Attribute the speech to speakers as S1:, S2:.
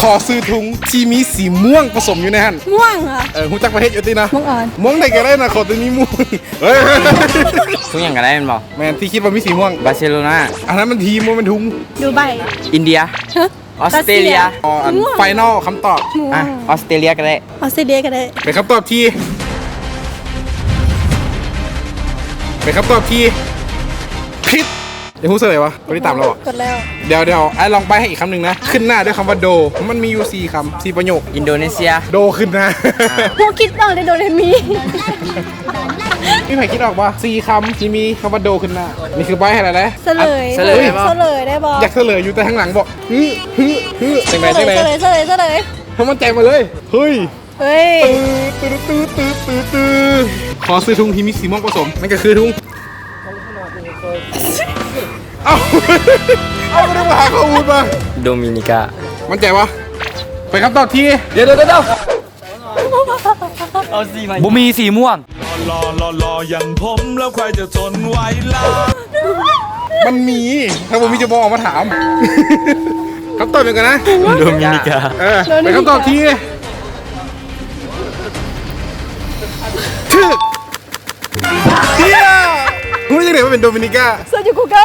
S1: อซื้อถุงที่มีสีม่วงผสมอยู่ในหัน
S2: ม่วงเหรอ
S1: หูจักประเทศอยู่ตินะ
S2: ม่วงอ่อน
S1: ม่วงได้ก็ได้นะขอตัวนี้ม่วงเฮ้ย
S3: ทุกอย่างก็ได้มันบอก
S1: แมนที่คิดว่ามีสีม่วง
S3: บาร์เซโลนา
S1: อันนั้นมันทีมมันเป็นถุง
S2: ดูใบ
S3: อินเดีย
S2: ฮะ
S3: ออสเตรเลีย
S1: อ๋ออัน
S2: ม่วง
S1: ไฟนอลคำตอบ
S2: ม่ว
S3: อ่ะ
S2: ง
S3: ออสเตรเลียก็ได้
S2: ออสเตรเลียก็ได้
S1: เป็นคำตอบที่ผิดเดี๋ยวพูดเสลยวะไม่ได้ตามเราอ่ะ
S2: กดแล้ว
S1: เดี๋ยวไอ้ลองไปให้อีกคำหนึ่งนะ ขึ้นหน้าด้วยคำว่าโด มันมีอยู่4 คำ 4 ประโยค
S3: อินโดนีเซีย
S1: โดขึ้นหน้า
S2: พวกคิดบ้างได้โดเรมี
S1: พี่ไผ่คิดออกว่า4 คำที่มีคำว่าโดขึ้นหน้า นี่คือใบให้อะไรนะ
S2: เฉลย
S3: เฉลยบ่
S2: เฉลยได้บอ
S1: อยากเฉลยอยู่แต่ข้างหลังบอกฮึจังไหน
S2: เฉลยเฉลย
S1: ทำมันใจมาเลย เฮ้ย
S2: เฮ้ย
S1: ตื้อขอซื้อถุงที่มีสีม่วงผสมนั่นก็คือถุงเอาไม่ได้มาหาข้อมูลมา
S3: โดมินิกา
S1: มั่นใจวะไปคำตอบที่
S3: เดี๋ยวเอาสีมาบุมีสีม่วง
S4: รออย่างผมแล้วใครจะทนไหวล่ะ
S1: มันมี ถ้าผมมีจะบอกออกมาถามคำตอบเป็นกันนะ
S3: โดมินิกา
S1: ไปคำตอบที่ถึกเที่ยรู้ยังไงว่าเป็นโดมินิกา
S2: เสิร์ชอยู่กูเกิล